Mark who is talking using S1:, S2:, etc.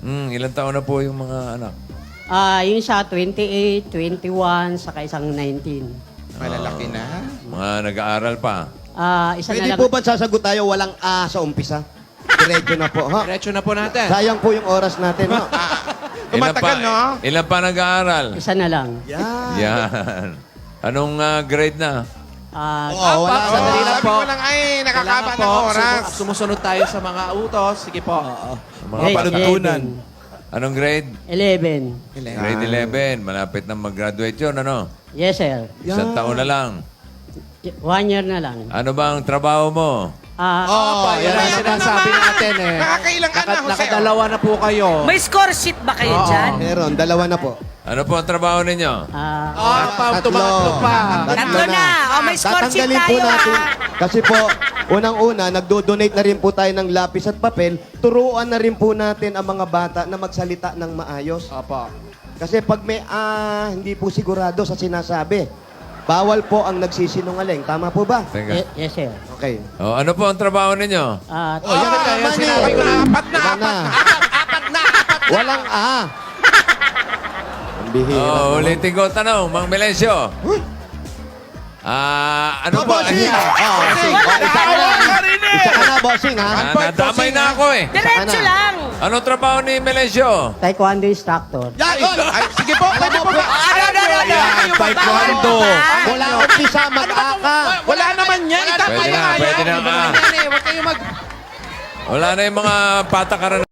S1: Ilang taon na po yung mga anak?
S2: Yung sa 28, 21, saka isang 19.
S3: Malalaki na.
S1: Mga nag-aaral pa.
S2: Isa
S4: Pwede
S2: na lang.
S4: po ba sasagot tayo walang A sa umpisa? Diretso na po, ha?
S3: Diretso na po natin.
S4: Sayang po yung oras natin, ha?
S3: Tumatagal, no?
S1: Ilan pa nag-aaral?
S2: Isa na lang.
S4: Yan.
S1: Yan. Anong grade na?
S4: Oo, wala na.
S3: Sandali lang
S5: Sabi
S3: po.
S5: ko lang, ay, nakakaba
S3: Kailangan
S5: ng
S3: po,
S5: oras.
S3: Sumusunod tayo sa mga utos. Sige po.
S1: Mga
S2: Grade
S1: panuntunan. Anong grade?
S2: 11.
S1: Grade 11. Malapit na mag-graduate yun, ano?
S2: Yes, sir.
S1: Isang taon na lang.
S2: 1 year na lang.
S1: Ano bang trabaho mo?
S3: Opo, yan ang sinasabi natin eh.
S5: Nakakailang ka na, Jose.
S3: Nakadalawa na po kayo.
S6: May score sheet ba kayo dyan?
S4: Meron, dalawa na po.
S1: Ano po ang trabaho ninyo?
S3: Tumatlo pa.
S6: Tatlo na. May score sheet
S4: Tatanggalin po
S6: tayo,
S4: natin.
S6: ha?
S4: Kasi po, unang-una, nagdo-donate na rin po tayo ng lapis at papel. Turuan na rin po natin ang mga bata na magsalita ng maayos.
S3: Opo.
S4: Kasi pag may hindi po sigurado sa sinasabi, bawal po ang nagsisinungaling. Tama po ba?
S1: Teka.
S2: Yes, sir.
S4: Okay.
S1: Oh, ano po ang trabaho ninyo?
S3: Yan na tayo. Sinabi ko na.
S4: Apat na. Walang A. Ang bihira.
S1: Oh, ulitin ko ang tanong, Mang Melencio. Ano po?
S4: Bossing! Isa ka na, bossing, ha?
S1: Nadamay na ako eh.
S6: Diretso lang.
S1: Anong trabaho ni Melencio?
S2: Taekwondo instructor.
S5: Ay, sige po, pwede po ba?
S3: Taekwondo.
S4: Wala umpisa, mag-aka.
S3: Wala naman yan. Itama
S1: Pwede
S3: yan.
S1: na, pwede na.
S3: Huwag kayong mag...
S1: Wala na yung mga patakaran.